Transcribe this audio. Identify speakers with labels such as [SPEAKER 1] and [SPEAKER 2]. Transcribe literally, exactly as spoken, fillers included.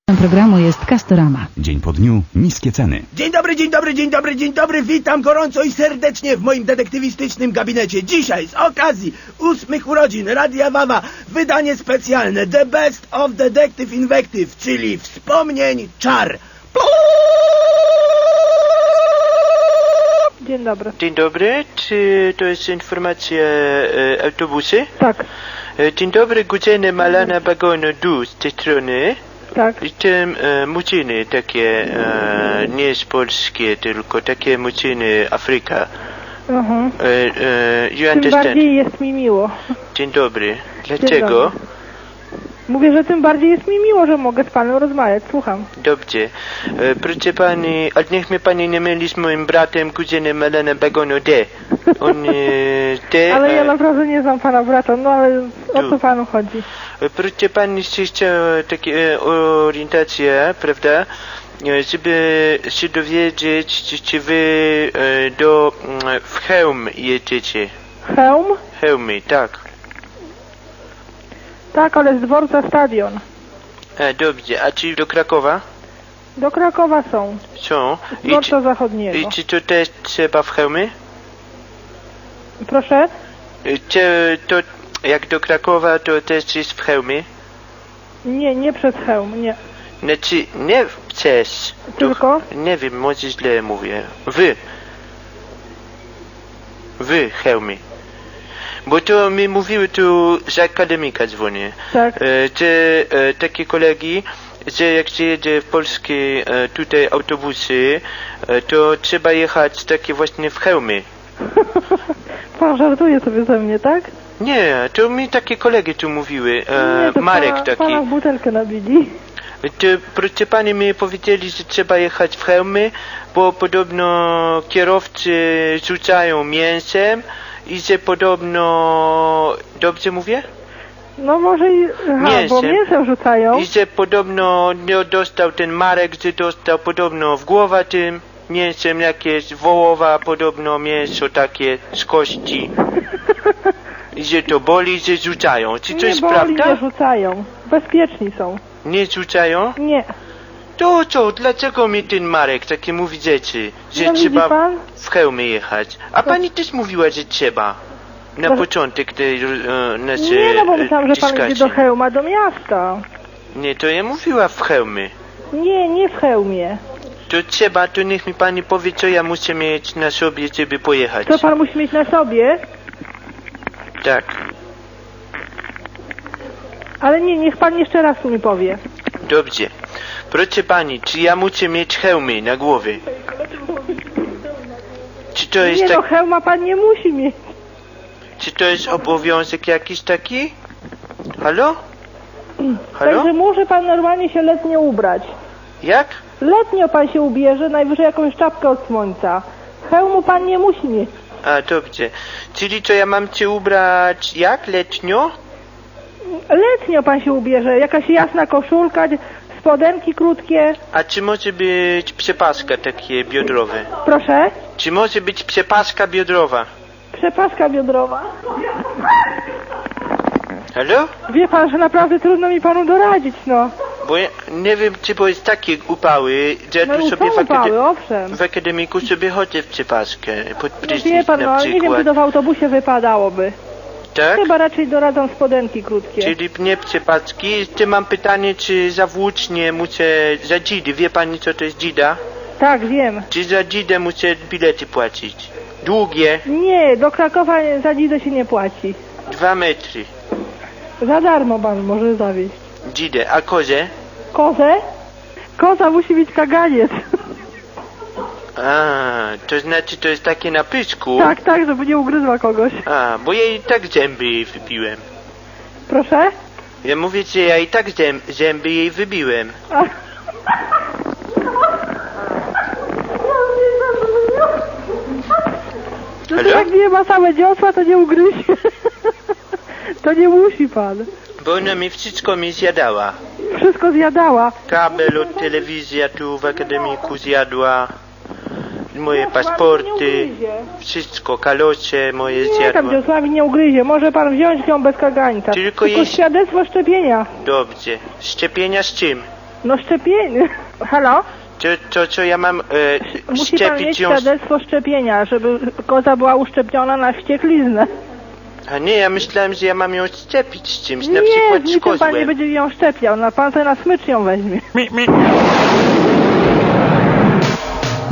[SPEAKER 1] Programu jest Castorama.
[SPEAKER 2] Dzień po dniu, niskie ceny.
[SPEAKER 3] Dzień dobry, dzień dobry, dzień dobry, dzień dobry. Witam gorąco i serdecznie w moim detektywistycznym gabinecie. Dzisiaj z okazji ósmych urodzin Radia Wawa wydanie specjalne The Best of Detective Invective, czyli wspomnień czar.
[SPEAKER 4] Dzień dobry.
[SPEAKER 5] Dzień dobry, czy to jest informacja e, autobusy?
[SPEAKER 4] Tak.
[SPEAKER 5] E, dzień dobry, godziny Malana Bagonu Du z tej strony.
[SPEAKER 4] Tak.
[SPEAKER 5] I tym e, muciny takie, e, nie z polskie, tylko takie muciny Afryka.
[SPEAKER 4] Mhm.
[SPEAKER 5] E, e, you
[SPEAKER 4] Tym
[SPEAKER 5] understand?
[SPEAKER 4] bardziej jest mi miło.
[SPEAKER 5] Dzień dobry. Dlaczego?
[SPEAKER 4] dobry. Mówię, że tym bardziej jest mi miło, że mogę z panem rozmawiać. Słucham.
[SPEAKER 5] Dobrze. E, proszę pani, ale niech mnie pani nie myli z moim bratem, kuzynem Malana Bagonu D. On e, D.
[SPEAKER 4] Ale ja
[SPEAKER 5] e,
[SPEAKER 4] naprawdę nie znam pana brata, no ale o co
[SPEAKER 5] Tu.
[SPEAKER 4] panu chodzi?
[SPEAKER 5] Proszę pani, chciał takie e, orientację, prawda? E, żeby się dowiedzieć, czy, czy wy e, do mm, w Chełm jedziecie.
[SPEAKER 4] Chełm?
[SPEAKER 5] Chełmy, tak.
[SPEAKER 4] Tak, ale z dworca stadion.
[SPEAKER 5] A, dobrze, a czy do Krakowa?
[SPEAKER 4] Do Krakowa są.
[SPEAKER 5] Są.
[SPEAKER 4] Z
[SPEAKER 5] I,
[SPEAKER 4] dworca
[SPEAKER 5] czy,
[SPEAKER 4] zachodniego.
[SPEAKER 5] I czy to też trzeba w Chełmy?
[SPEAKER 4] Proszę?
[SPEAKER 5] E, Czy to jak do Krakowa, to też jest w Chełmie?
[SPEAKER 4] Nie, nie przez Chełm, nie.
[SPEAKER 5] Znaczy, nie przez.
[SPEAKER 4] Tylko?
[SPEAKER 5] To, nie wiem, może źle mówię. Wy. Wy, Chełmy. Bo to mi mówiły tu z akademika dzwonię.
[SPEAKER 4] Tak.
[SPEAKER 5] E, że e, takie kolegi, że jak się jedzie w polskie e, tutaj autobusy, e, to trzeba jechać takie właśnie w Chełmy.
[SPEAKER 4] Pan żartuje sobie ze mnie, tak?
[SPEAKER 5] Nie, to mi takie kolegi tu mówiły. E,
[SPEAKER 4] nie, to
[SPEAKER 5] Marek
[SPEAKER 4] pana,
[SPEAKER 5] taki.
[SPEAKER 4] pana w butelkę nabili.
[SPEAKER 5] To proszę pani mi powiedzieli, że trzeba jechać w Chełmy, bo podobno kierowcy rzucają mięsem i że podobno... Dobrze mówię?
[SPEAKER 4] No może i... Aha,
[SPEAKER 5] Mięsem.
[SPEAKER 4] bo mięsem rzucają.
[SPEAKER 5] I że podobno nie dostał ten Marek, że dostał podobno w głowę tym mięsem jakieś wołowa, podobno mięso takie z kości. I że to boli, że rzucają. Czy to
[SPEAKER 4] nie
[SPEAKER 5] jest
[SPEAKER 4] boli,
[SPEAKER 5] prawda?
[SPEAKER 4] nie rzucają. Bezpieczni są.
[SPEAKER 5] Nie rzucają?
[SPEAKER 4] Nie.
[SPEAKER 5] To co, dlaczego mi ten Marek takie mówi rzeczy, że
[SPEAKER 4] No, widzi
[SPEAKER 5] trzeba
[SPEAKER 4] pan?
[SPEAKER 5] w Chełmy jechać? A pani też mówiła, że trzeba. Na
[SPEAKER 4] To-
[SPEAKER 5] początek tej e, naszej
[SPEAKER 4] Nie, no bo
[SPEAKER 5] e,
[SPEAKER 4] myślałam, że pan idzie
[SPEAKER 5] dyskacji.
[SPEAKER 4] do Chełma, do miasta.
[SPEAKER 5] Nie, to ja mówiła w Chełmy.
[SPEAKER 4] Nie, nie w Chełmie.
[SPEAKER 5] To trzeba, to niech mi pani powie, co ja muszę mieć na sobie, żeby pojechać.
[SPEAKER 4] Co pan musi mieć na sobie?
[SPEAKER 5] Tak.
[SPEAKER 4] Ale nie, niech pan jeszcze raz mi powie.
[SPEAKER 5] Dobrze. Proszę pani, czy ja muszę mieć hełmy na głowie? Czy to jest
[SPEAKER 4] Nie, no
[SPEAKER 5] tak,
[SPEAKER 4] Chełma pan nie musi mieć.
[SPEAKER 5] czy to jest obowiązek jakiś taki? Halo? Halo?
[SPEAKER 4] Także może pan normalnie się letnio ubrać.
[SPEAKER 5] Jak?
[SPEAKER 4] Letnio pan się ubierze, najwyżej jakąś czapkę od słońca. Hełmu pan nie musi mieć.
[SPEAKER 5] A, dobrze. Czyli to ja mam cię ubrać jak? Letnio?
[SPEAKER 4] Letnio pan się ubierze, jakaś jasna koszulka, spodenki krótkie.
[SPEAKER 5] A czy może być przepaska takie biodrowe?
[SPEAKER 4] Proszę?
[SPEAKER 5] Czy może być przepaska biodrowa?
[SPEAKER 4] Przepaska biodrowa.
[SPEAKER 5] Halo?
[SPEAKER 4] Wie pan, że naprawdę trudno mi panu doradzić, no.
[SPEAKER 5] Bo ja nie wiem, czy bo jest takie upały, że ja
[SPEAKER 4] No
[SPEAKER 5] tu
[SPEAKER 4] i
[SPEAKER 5] sobie
[SPEAKER 4] są
[SPEAKER 5] w, akade-
[SPEAKER 4] upały, owszem.
[SPEAKER 5] w akademiku sobie chodzę w przepaskę, pod
[SPEAKER 4] No
[SPEAKER 5] prysznic
[SPEAKER 4] wie pan, no
[SPEAKER 5] na
[SPEAKER 4] ale nie wiem,
[SPEAKER 5] przykład.
[SPEAKER 4] czy to w autobusie wypadałoby.
[SPEAKER 5] Tak?
[SPEAKER 4] Chyba raczej doradzą spodenki krótkie.
[SPEAKER 5] Czyli nie przepaski. Jeszcze mam pytanie, czy za włócznie muszę, za dzidy, wie pani co to jest dzida?
[SPEAKER 4] Tak, wiem.
[SPEAKER 5] Czy za dzidę muszę bilety płacić? Długie,
[SPEAKER 4] Nie, do Krakowa za dzidę się nie płaci.
[SPEAKER 5] dwa metry.
[SPEAKER 4] Za darmo pan może zawieźć.
[SPEAKER 5] Dzidę, a kozę?
[SPEAKER 4] Kozę? Koza musi mieć kaganiec.
[SPEAKER 5] A, to znaczy to jest takie na pysku?
[SPEAKER 4] Tak, tak, żeby nie ugryzła kogoś.
[SPEAKER 5] A, bo ja i tak zęby jej wybiłem.
[SPEAKER 4] Proszę?
[SPEAKER 5] Ja mówię, że ja i tak zęb, zęby jej wybiłem.
[SPEAKER 4] A... No to
[SPEAKER 5] Halo?
[SPEAKER 4] jak nie ma same dziosła, to nie ugryzie. To nie musi pan.
[SPEAKER 5] Bo ona mi wszystko mi zjadała.
[SPEAKER 4] Wszystko zjadała.
[SPEAKER 5] Kabel od telewizja tu w akademiku zjadła. Moje
[SPEAKER 4] No, pan nie
[SPEAKER 5] paszporty,
[SPEAKER 4] ugryzie.
[SPEAKER 5] wszystko, kalosze moje
[SPEAKER 4] Nie, tam
[SPEAKER 5] zjadła.
[SPEAKER 4] dziosłami nie ugryzie. Może pan wziąć ją bez kagańca.
[SPEAKER 5] Tylko
[SPEAKER 4] Tylko
[SPEAKER 5] jej-
[SPEAKER 4] świadectwo szczepienia.
[SPEAKER 5] Dobrze. Szczepienia z czym?
[SPEAKER 4] No szczepienie. Halo?
[SPEAKER 5] To, to co ja mam e,
[SPEAKER 4] Musi pan mieć
[SPEAKER 5] szczepić ją...
[SPEAKER 4] świadectwo szczepienia, żeby koza była uszczepiona na wściekliznę.
[SPEAKER 5] A nie, ja myślałem, że ja mam ją szczepić z czymś, na
[SPEAKER 4] Nie,
[SPEAKER 5] przykład
[SPEAKER 4] z
[SPEAKER 5] z
[SPEAKER 4] niczym pan nie
[SPEAKER 5] kozłem.
[SPEAKER 4] będzie ją szczepiał, na pan sobie na smycz ją weźmie.
[SPEAKER 3] Mi, mi.